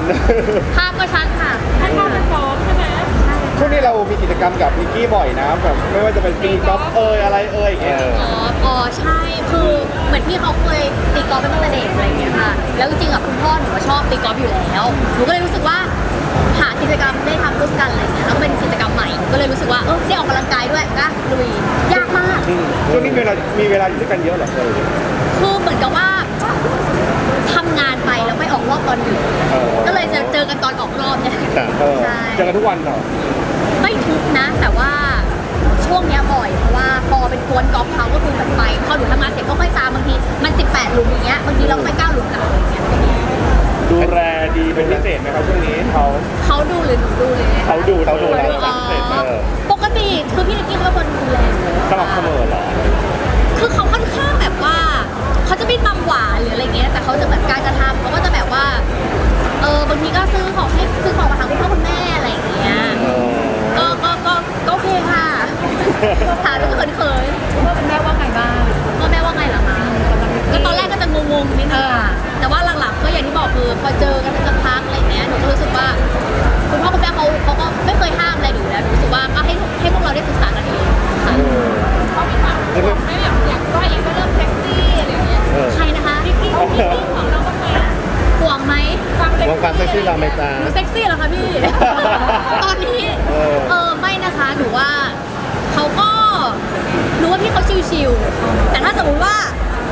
ภาพก็ชัดค่ะให้ภาพมันพร้อมใช่ไหมช่วงนี้เรามีกิจกรรมกับนิกกี้บ่อยนะแบบไม่ว่าจะเป็นตีกอล์ฟอะไรอย่างเงี้ยอ๋อใช่คือเหมือนพี่เขาเคยตีกอล์ฟเป็นตั้งแต่เด็กอะไรอย่างเงี้ยค่ะแล้วจริงๆคุณพ่อหนูชอบตีกอล์ฟอยู่แล้วหนูก็เลยรู้สึกว่าหากิจกรรมได้ทำร่วมกันอะไรเงี้ยแล้วเป็นกิจกรรมใหม่ก็เลยรู้สึกว่าได้ออกกำลังกายด้วยก็ลุยยากมากช่วงนี้มีเวลาอยู่ด้วยกันเยอะเหรอคือเหมือนกับว่าทำงานไปแล้วไม่ออกรอบตอนดึกก็เลยจะเจอกันตอนออกรอบเนี่ยใช่เจอกันทุกวันเหรอไม่ทุกนะแต่ว่าช่วงนี้บ่อยเพราะว่าพอเป็นกวนกอล์ฟเขาก็คือแบบไปพอหนูทำงานเสร็จก็ค่อยตามบางทีมัน18หลุมอย่างเงี้ยบางทีเราก็ไป9หลุมกับอะไรเงี้ยดูแลดีเป็นพิเศษไหมครับช่วงนี้เขาดูหรือหนูดูเลยเขาดูเราพิเศษปกติคือพี่นิกกี้เขาเป็นคนดูแลสม่ำเสมอเหรอคือเขาค่อนข้างแบบว่าเขาจะไม่มัมหวานหรืออะไรเงี้ยแต่เขาจะแบบการกระทำเขาก็จะแบบว่าบางทีก็ซื้อของมาทางคุณพ่อคุณแม่อะไรอย่างเงี้ยก็โอเคค่ะถามแล้วก็เขินๆว่าเป็นแม่ว่าไงบ้างก็แม่ว่าไงเหรอคะก็ตอนแรกก็จะงงๆนิดนึงค่ะแต่ว่าหลังๆก็อย่างที่บอกคือพอเจอกันสักพักอะไรเงี้ยหนูก็รู้สึกว่าคุณพ่อคุณแม่เขาก็ไม่เคยห้ามอะไรหนูแล้วหนูรู้สึกว่าก็ให้พวกเราได้ศึกษากันเองค่ะเขามีความไม่แบบอยากก็เองก็เริ่มเซ็กซี่อะไรเงี้ยใครนะคะพี่ของเราบ้างไหมห่วงไหมความเซ็กซี่เราไหมจ๊ะหนูเซ็กซี่เหรอคะพี่ตอนนี้ไม่นะคะหนูว่าเขาก็รู้ว่าพี่เขาชิวๆแต่ถ้าสมมติว่า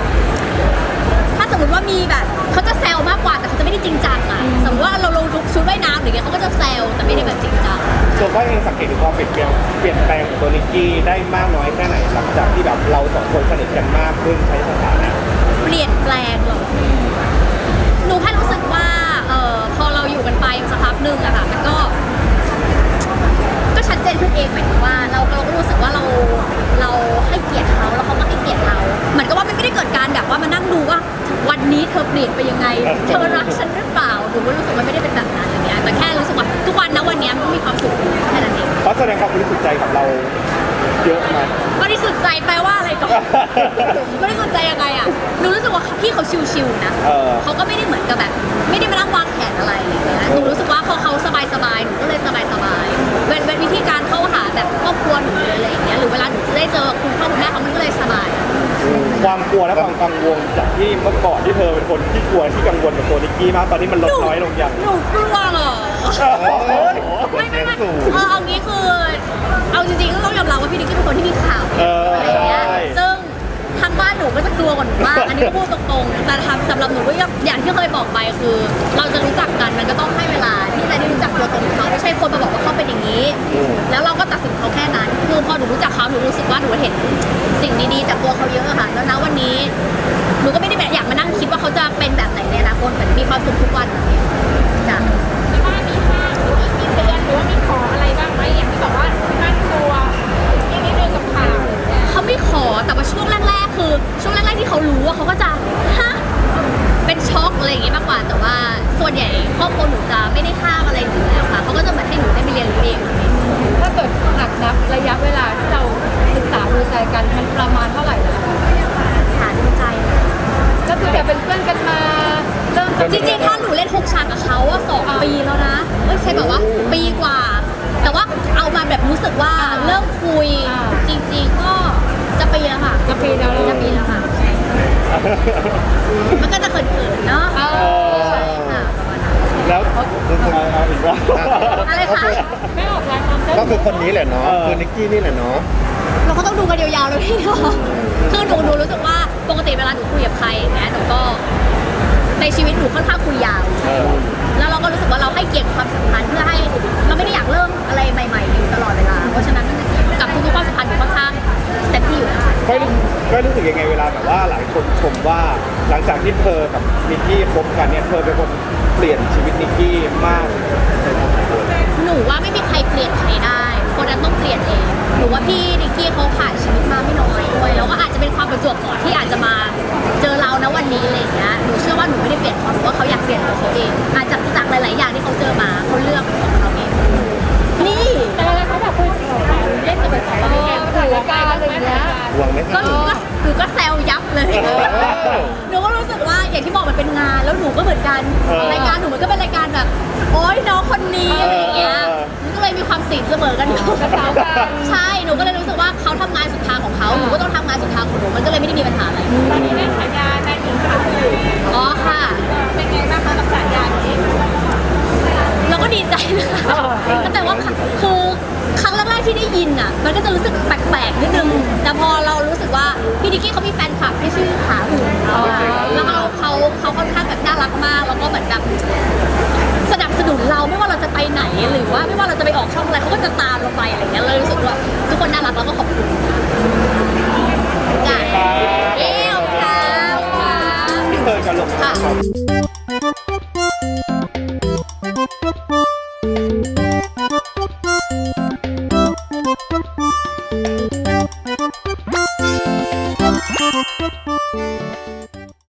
มีแบบเขาจะแซวมากกว่าแต่เขาจะไม่ได้จริงจังอ่ะสมมติว่าเราลงชุดว่ายน้ำหรือไงเขาก็จะแซวแต่ไม่ได้แบบจริงจังส่วนว่าเองสังเกตดูความเปลี่ยนแปลงของตัวนิกกี้ได้มากน้อยแค่ไหนหลังจากที่แบบเราสองคนสนิทกันมากขึ้นใช้สถานะเปลี่ยนแปลงหรอหนูแค่รู้สึกว่าพอเราอยู่กันไปสักพักหนึ่งอะค่ะมันก็ชัดเจนขึ้นเองหมายถึงว่าเราก็รู้สึกว่าเราให้เกียรติเขาแล้วเขาก็ให้เกียรติเราเหมือนกับว่ามันไม่ได้เกิดการแบบว่ามานั่งดูว่าวันนี้เธอเปลี่ยนไปยังไงเธอรักฉันหรือเปล่าหนูก็รู้สึกว่าไม่ได้เป็นแบบนั้นอย่างเงี้ยแต่แค่รู้สึกว่าทุกวันนะวันนี้มันมีความสุขแค่นั้นเองเขาแสดงความบริสุทธิ์ใจกับเราเยอะไหมบริสุทธิ์ใจแปลว่าอะไรก่อนบริสุทธิ์ใจยังไงอะหนูรู้สึกว่าพี่เขาชิวๆนะเขาก็ไม่ได้เหมือนกับแบบไม่ได้มานั่งวางแผนอะไรอย่างเงี้ยหนูรู้สึกว่าพอเขาสบายๆหนูก็เลยสบายๆเป็นวิธีการเข้าหาแบบครอบครัวหนูอะไรอย่างเงี้ยหรือเวลาหนูจะได้เจอคุณพ่อคุณแม่เขามันก็เลยสบายความกลัวและความกังวลจากที่เมื่อก่อนที่เธอเป็นคนที่กลัวที่กังวลกับตัวนิกกี้มากตอนนี้มันลดน้อยลงอย่างหนูกลัวเหรอไม่เอางี้คือเอาจริงๆก็ต้องยอมรับว่าพี่นิกกี้เป็นคนที่มีข่าวอะไรอย่างเงี้ยซึ่งทางบ้านหนูก็จะกลัวกว่าหนูมากอันนี้ก็พูดตรงๆแต่สำหรับหนูก็อย่างที่เคยบอกไปคือเราจะรู้จักกันมันก็ต้องให้เวลาที่จะได้รู้จักตัวตนเขาไม่ใช่คนมาบอกว่าเขาเป็นอย่างนี้แล้วเราก็ตัดสินเขาแค่นั้นคือพอหนูรู้จักเขาหนูรู้สึกว่าหนูเห็นสิ่งดีๆจากตัวเขาเยอะค่ะแล้วนะวันนี้หนูก็ไม่ได้แบบอยากมานั่งคิดว่าเขาจะเป็นแบบไหนในอนาคตเหมือนมีความสุขทุกวันแบบนี้จ้ะที่บ้านมีห้ามหรือมีเตือนหรือว่ามีขออะไรบ้างไหมอย่างที่บอกว่าบ้านกลัวนิดนึงกับข่าวเขาไม่ขอแต่ว่าช่วงแรกๆคือช่วงแรกๆที่เขารู้ว่าเขาก็จะฮะเป็นช็อกอะไรอย่างเงี้ยมากกว่าแต่ว่าส่วนใหญ่ครอบครัวหนูจะไม่ได้ห้ามอะไรหนูแล้วค่ะเขาก็จะเหมือนให้หนูได้ไปเรียนรู้เองถ้าเกิดหักนับระยะเวลาที่เราศึกษาดูใจกันมันประมาณเท่าไหร่แล้วหาดูใจก็คือจะเป็นเพื่อนกันมาเริ่มจริงๆถ้าหนูเล่น6 ฉากกับเขาว่า2 ปีแล้วนะไม่ใช่แบบว่าปีกว่าแต่ว่าเอามาแบบรู้สึกว่าเริ่มคุยจริงๆก็จะปีแล้วค่ะจะปีแล้วค่ะมันก็จะเขินๆเนาะแล้วเอาอีกว่าอะไรคะไม่ออกรายความก็คือคนนี้แหละเนาะคือนิกกี้นี่แหละเนาะเราก็ต้องดูกันยาวๆเลยพี่เนาะคือหนูรู้สึกว่าปกติเวลาหนูคุยกับใครอย่างเงี้ยหนูก็ในชีวิตหนูค่อนข้างคุยยาวแล้วเราก็รู้สึกว่าเราให้เกียรติความสัมพันธ์เพื่อให้เราไม่ได้อยากเริ่มอะไรใหม่ๆอยู่ตลอดเวลาเพราะฉะนั้นกับทุกๆความสัมพันธ์หนูค่อนข้างเต็มที่อยู่แล้วก็รู้สึกยังไงเวลาแบบว่าหลายคนชมว่าหลังจากที่เธอกับนิกกี้คบกันเนี่ยเธอเป็นคนเปลี่ยนชีวิตนิกกี้มากหนูว่าไม่มีใครเปลี่ยนใครได้คนนั้นต้องเปลี่ยนเองหนูว่าพี่นิกกี้เขาผ่านชีวิตมาไม่น้อยด้วยแล้วก็อาจจะเป็นความประจวบเหมาะที่อาจจะมาเจอเรานะวันนี้อะไรอย่างเงี้ยหนูเชื่อว่าหนูไม่ได้เปลี่ยนเขาหนูว่าเขาอยากเปลี่ยนตัวเขาเองอาจจะจากหลายๆอย่างที่เขาเจอมาเขาเลือกของเขาเองนี่แต่อะไรเขาแบบคุยเล่นกับแบบอะไรกันคุยกันอะไรอย่างเงี้ยหวังไหมก็หนูก็แซวยับเลยหนูก็รู้สึกว่าอย่างที่บอกมันเป็นงานแล้วหนูก็เหมือนกันรายการหนูมันก็เป็นรายการแบบโอ๊ยน้องคนนี้อะไรอย่างเงี้ยมันก็เลยมีความสิงเสมอกันอยู่ใช่หนูก็เลยรู้สึกว่าเขาทำงานสุดทางของเขาหนูก็ต้องทำงานสุดทางของหนูมันก็เลยไม่ได้มีปัญหาอะไรตอนนี้ได้ฉายาในหญิงขาหนึ่งอ๋อค่ะเป็นไงบ้างคะกับฉายานี้เราก็ดีใจนะคะแต่ว่าคือครั้งแรกๆที่ได้ยินอ่ะมันก็จะรู้สึกแปลกๆนิดนึงแต่พอเรารู้สึกว่าพี่ดิกกี้เขามีแฟนคลับที่ชื่อขาหูแล้วเขาค่อนข้างแบบน่ารักมากแล้วก็เหมือนแบบสนับสนุนเราไม่ว่าเราจะไปไหนหรือว่าไม่ว่าเราจะไปออกช่องอะไรเขาก็จะตามเราไปอะไรเงี้ยเลยรู้สึกว่าทุกคนน่ารักแล้วก็ขอบคุณจ้ะเย้ขอบคุณค่ะที่เธอจะลงค่ะ